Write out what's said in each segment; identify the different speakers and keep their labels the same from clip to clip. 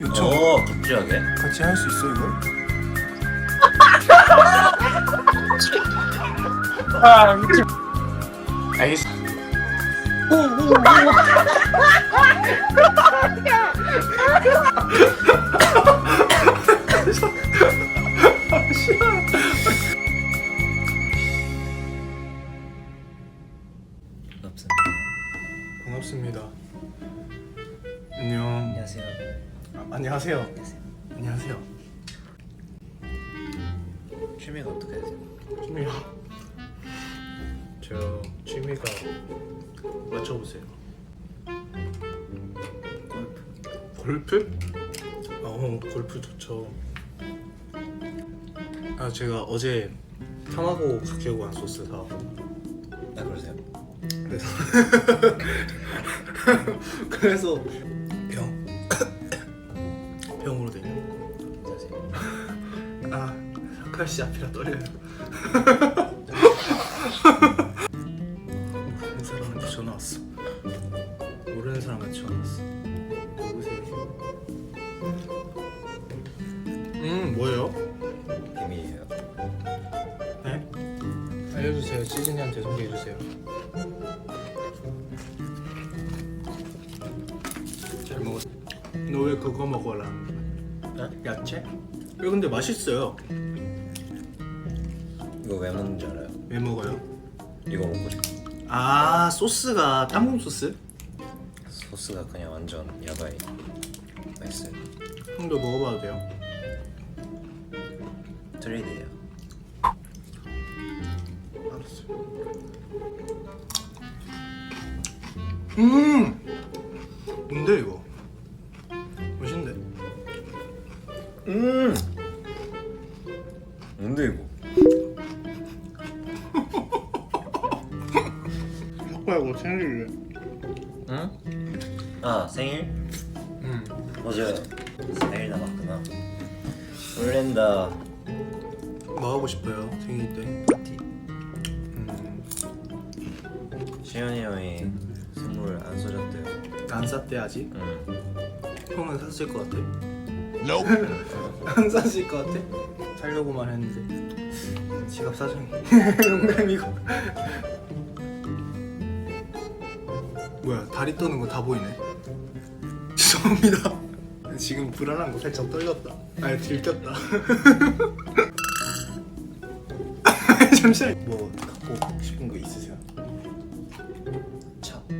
Speaker 1: 요청
Speaker 2: 갑자기?
Speaker 1: 같이 할 수 있어 이걸?
Speaker 3: 아 미친. 알겠어.
Speaker 1: 반갑습니다. 안녕.
Speaker 2: 안녕하세요.
Speaker 1: 안녕하세요.
Speaker 2: 안녕하세요.
Speaker 1: 안녕하세요.
Speaker 2: 취미가 어떻게 되세요?
Speaker 1: 취미요? 저 취미가 맞춰보세요. 골프? 골프 좋죠. 제가 어제 타마고 가게고 한 소스 사고.
Speaker 2: 아 그러세요?
Speaker 1: 그래서 병으로 되냐?
Speaker 2: 안녕하세요.
Speaker 1: 사카시 앞이라 떨려요. 모르는 사람한테 전화 왔어. 모르는 사람한테 전화 왔어. 누구세요? 뭐예요?
Speaker 2: 비밀이에요.
Speaker 1: 네? 알려주세요. 시즈니한테 소개해주세요. 잘 먹었어. 너 왜 그거 먹어라?
Speaker 2: 네?
Speaker 1: 야채? 왜 근데 맛있어요.
Speaker 2: 이거 왜 먹는지 알아요?
Speaker 1: 왜 먹어요?
Speaker 2: 이거 먹고 싶어.
Speaker 1: 소스가 땅콩 소스?
Speaker 2: 소스가 그냥 완전 야바이 맛있어요.
Speaker 1: 형도 먹어봐도 돼요?
Speaker 2: 트레이드예요.
Speaker 1: 알았어. 뭔데 이거? 맛있는데?
Speaker 2: 뭔데 이거?
Speaker 1: 뭐야 이거 생일이래.
Speaker 2: 응? 아 생일? 맞아요. 생일 남았구나. 설렌다.
Speaker 1: 뭐 하고 싶어요 생일 때?
Speaker 2: 파티. 시현이 형이 선물 안 써줬대요.
Speaker 1: 안 샀대 아직?
Speaker 2: 응.
Speaker 1: 형은 샀을 것 같아? 안 샀을 것 같아? 살려고만 했는데 지갑 사정이 농담이고. 뭐야 다리 떠는 거 다 보이네. 죄송합니다. 지금 불안한 거 살짝 떨렸다. 아니 들켰다. 잠시만. 뭐 갖고 싶은 거 있으세요?
Speaker 2: 차.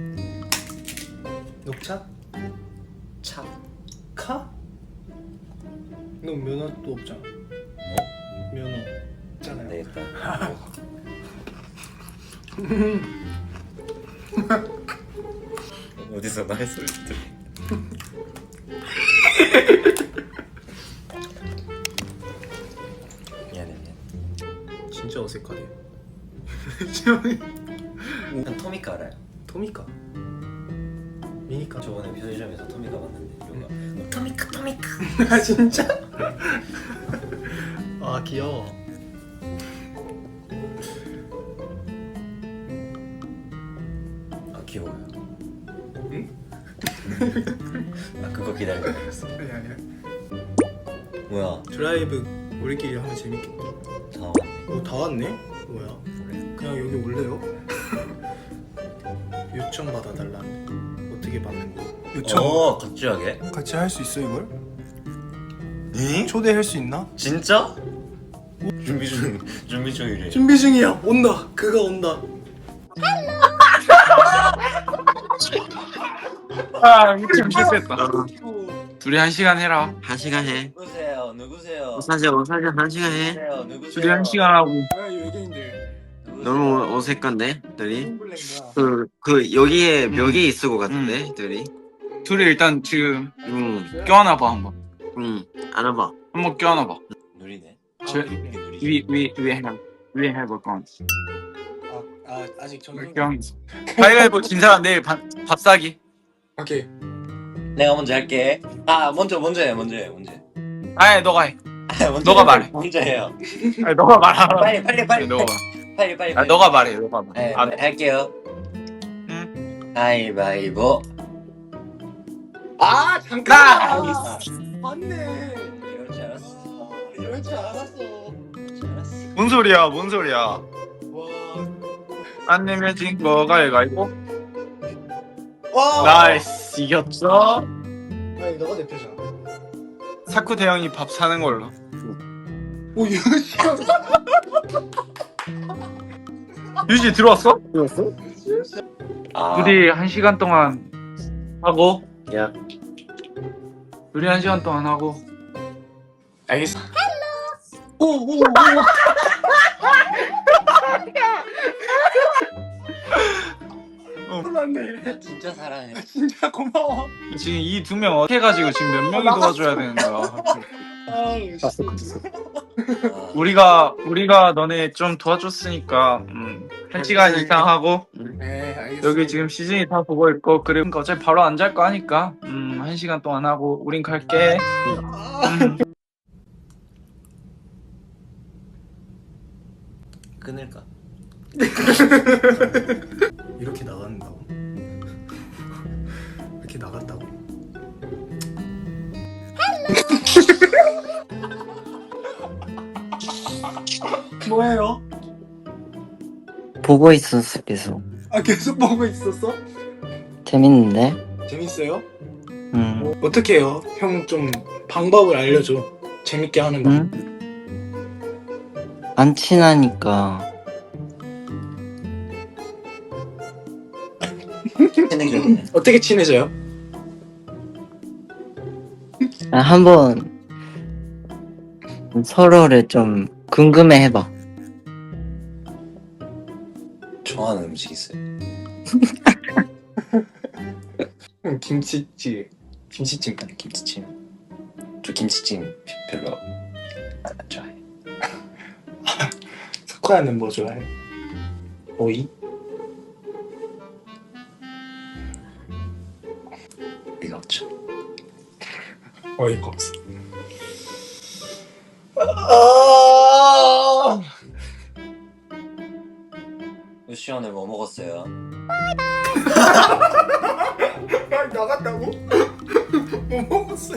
Speaker 1: 녹차?
Speaker 2: 차.
Speaker 1: 카? 너 면허도 없잖아.
Speaker 2: 뭐?
Speaker 1: 면허 있잖아요.
Speaker 2: 네 일단. 어디서 나의 소리 들리? 미안해.
Speaker 1: 진짜 어색하네.
Speaker 2: 난 토미카 알아요?
Speaker 1: 토미카? 미니카?
Speaker 2: 저번에 편의점에서 토미카 봤는데 이거 토미카.
Speaker 1: 아 진짜? 아 귀여워.
Speaker 2: 아 귀여워요.
Speaker 1: 응?
Speaker 2: 아 그거 기다리고 있었어.
Speaker 1: 아니야.
Speaker 2: 뭐야?
Speaker 1: 드라이브 우리끼리 하면 재밌겠다.
Speaker 2: 다 왔네.
Speaker 1: 다 왔네? 뭐야?
Speaker 2: 그래.
Speaker 1: 그냥 여기 올래요? 요청 받아달라는데 어떻게 받는 거야? 요청
Speaker 2: 갑자기?
Speaker 1: 같이 할 수 있어 이걸?
Speaker 2: 응?
Speaker 1: 초대할 수 있나?
Speaker 2: 진짜? 준비 중이래.
Speaker 1: 준비 중이야. 온다. 그가 온다.
Speaker 3: 아 미친 실수했다. 둘이 1시간 해라.
Speaker 4: 1시간 해.
Speaker 2: 누구세요?
Speaker 4: 사실 한 시간 해.
Speaker 2: 누구세요?
Speaker 3: 둘이 1시간 하고.
Speaker 1: 야 외계인들.
Speaker 4: 너무 어색한데, 둘이.
Speaker 1: 홈블랙이야.
Speaker 4: 그 여기에 벽이 있을 것 같은데, 둘이.
Speaker 3: 둘이 일단 지금
Speaker 4: 응,
Speaker 3: 껴안아봐 한번.
Speaker 4: 안아봐.
Speaker 3: 한번 껴안아봐.
Speaker 2: 누리네.
Speaker 3: 위에 해볼 건.
Speaker 1: 아직 정신.
Speaker 3: 가위바위보 진 사람 내일 밥 사기.
Speaker 1: 오케이.
Speaker 2: 내가 먼저 할게. 아 먼저 해.
Speaker 3: 아예 너가 해.
Speaker 2: 먼저
Speaker 3: 너가
Speaker 2: 해요.
Speaker 3: 말해.
Speaker 2: 먼저 해요.
Speaker 3: 아니 너가 말하라.
Speaker 2: 빨리.
Speaker 3: 너가.
Speaker 2: 빨리.
Speaker 3: 아 너가 말해. 너가 말해.
Speaker 2: 네,
Speaker 3: 아,
Speaker 2: 할게요.
Speaker 3: 응.
Speaker 2: 가위바위보.
Speaker 1: 잠깐.
Speaker 2: 아,
Speaker 1: 맞네.
Speaker 2: 이럴 줄 알았어. 이럴 줄 알았어. 이럴 줄 알았어.
Speaker 3: 뭔 소리야? 뭔 소리야?
Speaker 1: 와.
Speaker 3: 안 내면 진 거가 해가지고.
Speaker 1: 와.
Speaker 3: 나이스 이겼어.
Speaker 1: 아니 너가 대표잖아.
Speaker 3: 사쿠 대형이 밥 사는 걸로.
Speaker 1: 오 유시.
Speaker 3: 유지 들어왔어?
Speaker 2: 아.
Speaker 3: 우리 1시간 동안 하고.
Speaker 4: 야.
Speaker 3: 우리 1시간 동안 하고. 알겠어.
Speaker 1: 오오 오. 몰랐네.
Speaker 2: 진짜 사랑해.
Speaker 1: 진짜 고마워.
Speaker 3: 지금 이 2명 어떻게 해가지고 지금 몇 명이 도와줘야 되는 거야?
Speaker 1: 아,
Speaker 3: 우리가 너네 좀 도와줬으니까 1시간 이상 하고
Speaker 1: 네, 알겠습니다.
Speaker 3: 여기 지금 시즌이 다 보고 있고 그리고 어차피 바로 안 잘 거 아니까 1시간 동안 하고 우린 갈게.
Speaker 2: 끊을까?
Speaker 1: 이렇게 나간다고? 이렇게 나갔다고? 뭐예요?
Speaker 5: 보고 있었어 계속.
Speaker 1: 아 계속 보고 있었어?
Speaker 5: 재밌는데?
Speaker 1: 재밌어요?
Speaker 5: 응.
Speaker 1: 어떻게 해요? 형 좀 방법을 알려줘. 재밌게 하는 거.
Speaker 5: 응? 안 친하니까
Speaker 2: 친해졌네.
Speaker 1: 어떻게 친해져요?
Speaker 5: 한번 서로를 좀 궁금해해봐.
Speaker 2: 좋아하는 음식 있어요?
Speaker 1: 형 김치찌개.
Speaker 2: 김치찜 아니 김치찜. 저 김치찜 별로 안 좋아해.
Speaker 1: 석화는 뭐 좋아해? 오이?
Speaker 2: 이거 없죠.
Speaker 1: 어이가 없어. 아~
Speaker 2: 우시 오늘 뭐 먹었어요?
Speaker 1: 나갔다고? 뭐 먹었어요?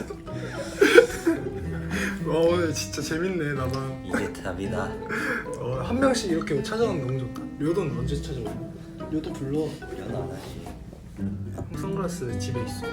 Speaker 1: 와 오늘 진짜 재밌네 나봐.
Speaker 2: 이게 답이다.
Speaker 1: 한 명씩 이렇게 찾아가면 너무 좋다. 료도는 언제 찾아오냐? 료도 불러.
Speaker 2: 연애 안 하지.
Speaker 1: 형 선글라스 집에 있어.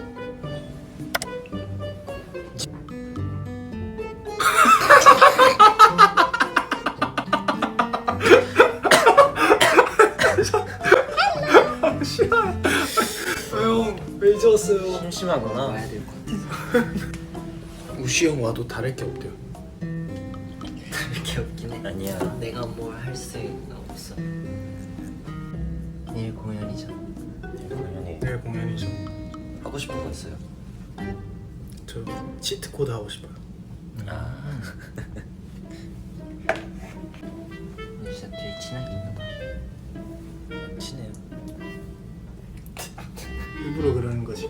Speaker 1: 싫어요. 형왜 이제 왔어요?
Speaker 2: 심심하구나.
Speaker 5: 와야 될 것 같아.
Speaker 1: 우시 형 와도 다를 게 없대요.
Speaker 5: 그렇게 없긴 해.
Speaker 2: 아니야.
Speaker 5: 내가 뭘 할 수가 없어. 내일 공연이잖아.
Speaker 2: 당연히
Speaker 1: 내일 공연이죠.
Speaker 2: 하고 싶은 거 있어요?
Speaker 1: 저 치트 코드 하고 싶어요.
Speaker 2: 아.
Speaker 5: 근데 진짜 되게 친하긴 하다.
Speaker 2: 친해요.
Speaker 1: 일부러 그러는 거지.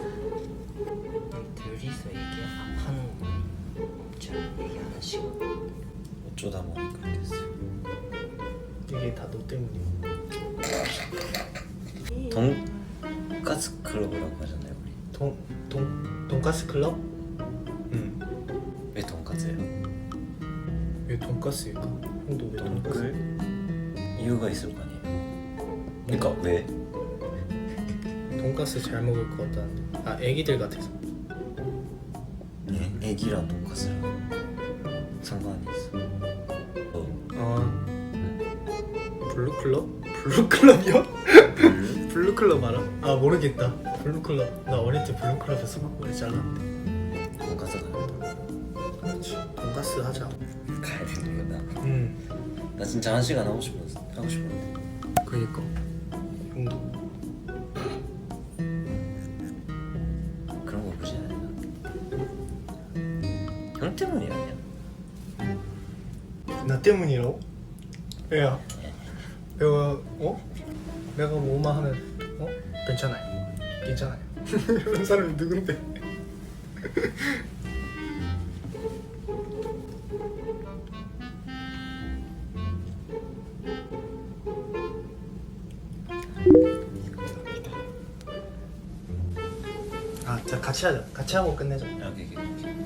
Speaker 5: 둘이서 얘기하는 거 없지 않아? 얘기 하나씩.
Speaker 2: 어쩌다 보니 그렇게 됐어요.
Speaker 1: 이게 다 너 때문이야.
Speaker 2: 돈가스 클럽이라고 하잖아요 우리.
Speaker 1: 돈가스 클럽?
Speaker 2: 응. 왜 돈가스예요?
Speaker 1: 왜 돈가스일까? 형도 왜 돈가스?
Speaker 2: 이유가 있을 거 아니에요. 그러니까 왜?
Speaker 1: 돈가스 잘 먹을 것 같다는데. 아 애기들 같아서.
Speaker 2: 애기랑 돈가스랑 상관이 있어.
Speaker 1: 블루클럽? 블루클럽이요? 블루클럽 알아? 아 모르겠다. 블루클럽. 나 어릴 때 블루클럽에 수박머리 잘랐는데.
Speaker 2: 돈가스 가는다.
Speaker 1: 그렇지. 돈가스 하자.
Speaker 2: 가야 되는구나. 나 진짜 1시간 하고 싶었는데.
Speaker 1: 그니까. 형도.
Speaker 2: 그런 거 보지 않아요. 형 때문이 아니야.
Speaker 1: 나 때문이라고? 야. 내가 내가 뭐만 하면 괜찮아요. 괜찮아요. 이런 사람이 누군데? 아, 자 같이 하자. 같이 하고 끝내자.
Speaker 2: 여기.